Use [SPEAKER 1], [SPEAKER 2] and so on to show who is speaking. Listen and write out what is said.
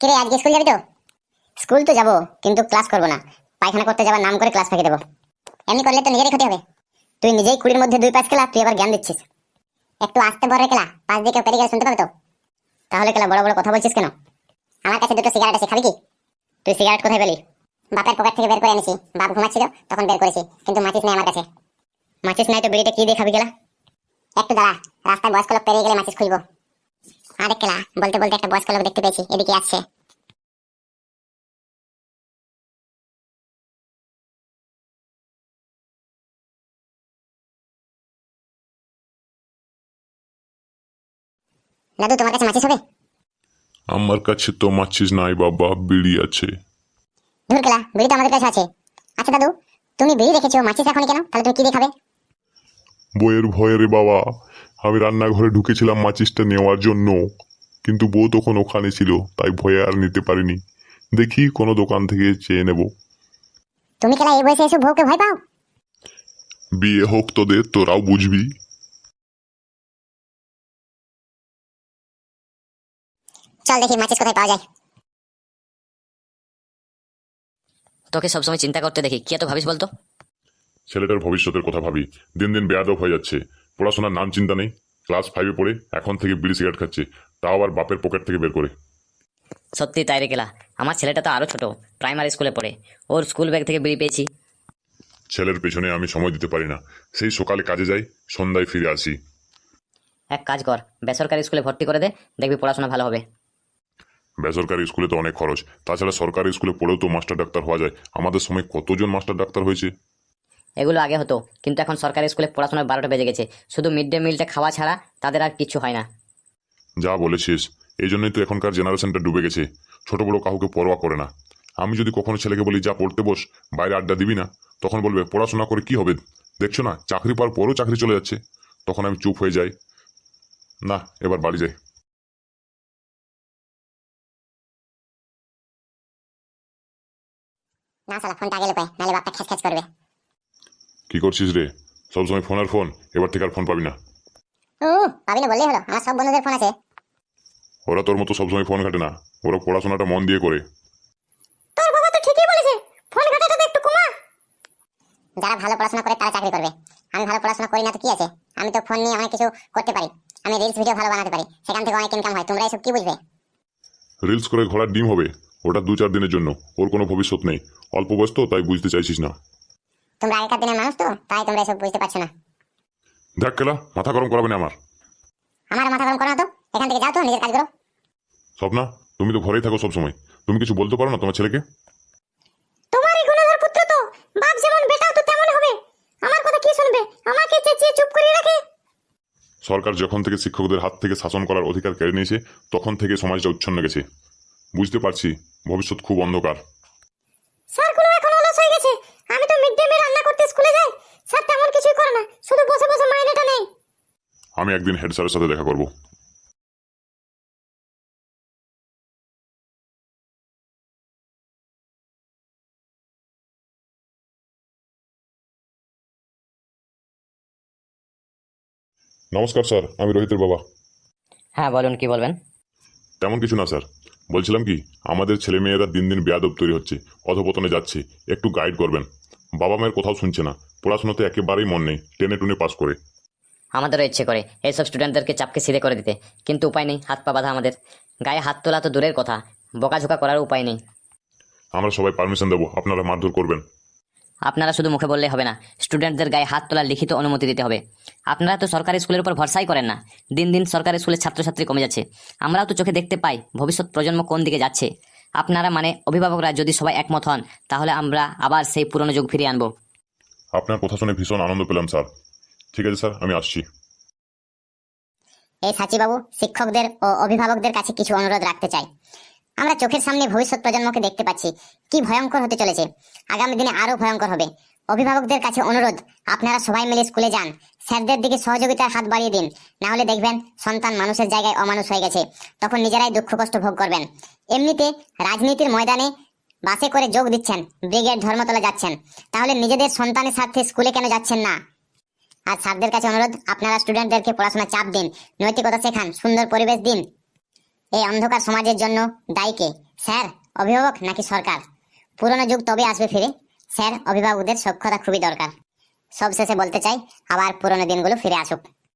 [SPEAKER 1] কিরে আজকে স্কুল যাবি তো? স্কুল তো যাবো, কিন্তু ক্লাস করবো না। পায়খানা করতে যাবার নাম করে ক্লাস ফাঁকি দেবো। এমনি করলে তো নিজেরই ক্ষতি হবে। তুই নিজেই 20-র মধ্যে 2 পাস খেলা, তুই আবার জ্ঞান দিচ্ছিস। একটু আস্তে বড় খেলা, পাশ দিয়ে কেউ পেরিয়ে গেলে শুনতে পাবে তো। তাহলে খেলা বড় বড় কথা বলছিস কেন? আমার কাছে 2টো সিগারেট আছে, খাবি কি? তুই সিগারেট কোথায় পেলি? বাপের পকেট থেকে বের করে এনেছি, বাপ ঘুমাচ্ছিল তখন বের করেছি, কিন্তু মাচিস নেই আমার কাছে। মাচিস নাই তো বিড়িটা কি দিয়ে খাবি গেলা? একটু দাঁড়া, রাস্তায় বয়স্ক লোক পেরিয়ে গেলে মাচিস খুলবো। আরে খেলা, বলতে বলতে একটা বয়স্ক লোক দেখতে পেয়েছি, এদিকে আসছে। দাদু, তোমার কাছে মাচিস হবে?
[SPEAKER 2] আমার কাছে তো মাছিস নাই বাবা, বিড়ি আছে।
[SPEAKER 1] ধুর খেলা, বিড়ি তো আমাদের কাছে আছে। আচ্ছা দাদু, তুমি বিড়ি রেখেছো, মাচিস এখনই কেন? তাহলে তুমি কি দিয়ে খাবে?
[SPEAKER 2] বইয়ের ভয়ে রে বাবা, আমি রান্নাঘরে ঢুকেছিলাম মাচিসটা নেওয়ার জন্য, কিন্তু বউ তখন ওখানে ছিল, তাই ভয়ে আর নিতে পারিনি। দেখি কোনো দোকান থেকে চেয়ে নেব।
[SPEAKER 1] তুমি খেলা এই বয়সে এসে বউকে ভয় পাও?
[SPEAKER 2] বিয়ে হোক তোদের, তোরাও বুঝবি।
[SPEAKER 1] চল দেখি মাচিস কোথায় পাওয়া যায়।
[SPEAKER 3] তোকে সবসময় চিন্তা করতে দেখি, কি এত ভাবিস বলতো?
[SPEAKER 2] ছেলেটার ভবিষ্যতের কথা ভাবি, দিন দিন বেয়াদব হয়ে যাচ্ছে। পড়াশোনার নাম চিন্তা নেই, ক্লাস 5-এ পড়ে এখন থেকে বিড়ি সিগারেট খাচ্ছে, তাও আবার বাপের পকেট থেকে বের করে।
[SPEAKER 3] সত্যি তাই রে গেলা, আমার ছেলেটা তো আরো ছোট, প্রাইমারি স্কুলে পড়ে। ওর স্কুল ব্যাগ থেকে বিড়ি পেয়েছি।
[SPEAKER 2] ছেলের পেছনে আমি সময় দিতে পারি না, সেই সকালে কাজে যাই, সন্ধ্যায় ফিরে আসি।
[SPEAKER 3] এক কাজ কর, বেসরকারি স্কুলে ভর্তি করে দে, দেখবি পড়াশোনা ভালো হবে।
[SPEAKER 2] বেসরকারি স্কুলে তো অনেক খরচ, তাছাড়া সরকারি স্কুলে পড়েও তো মাস্টার ডাক্তার হওয়া যায়। আমাদের সময় কতজন মাস্টার ডাক্তার হয়েছে।
[SPEAKER 3] এগুলো আগে হতো, কিন্তু এখন সরকারি স্কুলে পড়াশোনার 12টা বেজে গেছে। শুধু মিড ডে মিলটা খাওয়া ছাড়া তাদের আর কিছু হয় না।
[SPEAKER 2] যা বলেছিস, এই জন্যই তো এখনকার জেনারেশনটা ডুবে গেছে, ছোট বড় কাউকে পরোয়া করে না। আমি যদি কখনো ছেলেকে বলি যা পড়তে বস, বাইরে আড্ডা দিবি না, তখন বলবে পড়াশোনা করে কি হবে, দেখছো না চাকরি পাওয়ার পরও চাকরি চলে যাচ্ছে। তখন আমি চুপ হয়ে যাই। না, এবার বাড়ি যাই।
[SPEAKER 1] না শালা, ফোনটা আগে লুকায়, নাহলে বাপটা খ্যাচ খ্যাচ করবে।
[SPEAKER 2] কি করছিস রে? সবসময় ফোন আর ফোন, এবার থেকে আর ফোন পাবি না।
[SPEAKER 1] পাবি না বললেই হলো, আমার সব বন্ধুদের ফোন আছে।
[SPEAKER 2] ওরা তোর মতো সবসময় ফোন ঘাটে না, ওরা পড়াশোনাটা মন দিয়ে করে।
[SPEAKER 1] তোর বাবা তো ঠিকই বলেছে, ফোন ঘাটাটা তো একটু কমা। যারা ভালো পড়াশোনা করে তারা চাকরি করবে। আমি ভালো পড়াশোনা করি না তো কি আছে, আমি তো ফোন নিয়ে অনেক কিছু করতে পারি। আমি রিলস ভিডিও ভালো বানাতে পারি, সেখান থেকে অনেক ইনকাম হয়। তোমরা এসব কি বুঝবে?
[SPEAKER 2] রিলস করে ঘোড়ার ডিম হবে, ওটা 2-4 দিনের জন্য, ওর কোনো ভবিষ্যৎ নেই। অল্প বয়স তো, তাই বুঝতে চাইছিস না।
[SPEAKER 1] তোমরা আগেকার দিনের মানুষ তো, তাই তোমরা এসব বুঝতে পারছো না।
[SPEAKER 2] দেখ কেলা, মাথা গরম করাবে না আমার।
[SPEAKER 1] আমার মাথা গরম করো না তো, এখান থেকে যাও তো, নিজের কাজ করো।
[SPEAKER 2] স্বপ্না, তুমি তো ঘরেই থাকো সবসময়, তুমি কিছু বলতে পারো না তোমার ছেলেকে?
[SPEAKER 1] তোমারই গুণধর পুত্র তো, বাপ যেমন বেটাও তো তেমন হবে। আমার কথা কি শুনবে? আমাকে চেঁচিয়ে চুপ করে রাখে।
[SPEAKER 2] সরকার যখন থেকে শিক্ষকদের হাত থেকে শাসন করার অধিকার কেড়ে নিয়েছে, তখন থেকে সমাজটা উচ্ছন্ন গেছে। বুঝতে পারছি, ভবিষ্যৎ খুব অন্ধকার।
[SPEAKER 1] স্যারগুলো এখন অলস হয়ে গেছে। আমি তো মিড ডে মিল রান্না করতে স্কুলে যাই, স্যার তেমন কিছুই করে না, শুধু বসে বসে মাইনেটা নেই।
[SPEAKER 2] আমি একদিন হেড স্যারের সাথে দেখা করব। নমস্কার স্যার, আমি রোহিতের বাবা।
[SPEAKER 3] হ্যাঁ বলুন, কি বলবেন?
[SPEAKER 2] তেমন কিছু না স্যার, বলছিলাম কি, আমাদের ছেলে মেয়েরা দিন দিন বেয়াদব তৈরি হচ্ছে, অধপতনে যাচ্ছে, একটু গাইড করবেন। বাবা মায়ের কোথাও শুনছে না, পড়াশোনাতে একেবারেই মন নেই, টেনে টুনে পাস করে।
[SPEAKER 3] আমাদেরও ইচ্ছে করে এইসব স্টুডেন্টদেরকে চাপকে সিধে করে দিতে, কিন্তু উপায় নেই, হাত পা বাঁধা আমাদের। গায়ে হাত তোলা তো দূরের কথা, বকাঝোকা করার উপায় নেই।
[SPEAKER 2] আমরা সবাই পারমিশন দেবো, আপনারা মারধর করবেন।
[SPEAKER 3] আপনারা শুধু মুখে বললেই হবে না, স্টুডেন্টদের গায়ে হাত তোলার লিখিত অনুমতি দিতে হবে। আপনারা তো সরকারি স্কুলের উপর ভরসাই করেন না। দিন দিন সরকারি স্কুলের ছাত্রছাত্রী কমে যাচ্ছে। আমরাও তো চোখে দেখতে পাই ভবিষ্যৎ প্রজন্ম কোন দিকে যাচ্ছে। আপনারা মানে অভিভাবকরা যদি সবাই একমত হন, তাহলে আমরা আবার সেই পুরনো যুগ ফিরিয়ে আনবো।
[SPEAKER 2] আপনার কথা শুনে ভীষণ আনন্দ পেলাম স্যার। ঠিক আছে স্যার, আমি আসছি।
[SPEAKER 1] এই সাচিবাবু, শিক্ষকদের ও অভিভাবকদের কাছে কিছু অনুরোধ রাখতে চাই। আমরা চোখের সামনে ভবিষ্যৎ প্রজন্মকে দেখতে পাচ্ছি, কি ভয়ঙ্কর হতে চলেছে, আগামী দিনে আরো ভয়ঙ্কর হবে। অভিভাবকদের কাছে অনুরোধ, আপনারা সবাই মিলে স্কুলে যান, স্যারদের দিকে সহযোগিতার হাত বাড়িয়ে দিন। না হলে দেখবেন সন্তান মানুষের জায়গায় অমানুষ হয়ে গেছে, তখন নিজেরাই দুঃখ কষ্ট ভোগ করবেন। এমনিতে রাজনীতির ময়দানে বাসে করে যোগ দিচ্ছেন, ব্রিগেড ধর্মতলা যাচ্ছেন, তাহলে নিজেদের সন্তানের সাথে স্কুলে কেন যাচ্ছেন না? আর স্যারদের কাছে অনুরোধ, আপনারা স্টুডেন্টদেরকে পড়াশোনা চাপ দিন, নৈতিকতা শেখান, সুন্দর পরিবেশ দিন। এই অন্ধকার সমাজের জন্য দায়ী কে? স্যার, অভিভাবক নাকি সরকার? পুরনো যুগ তবে আসবে ফিরে। স্যার, অভিভাবকদের সক্ষতা খুবই দরকার। সবশেষে বলতে চাই, আবার পুরনো দিনগুলো ফিরে আসুক।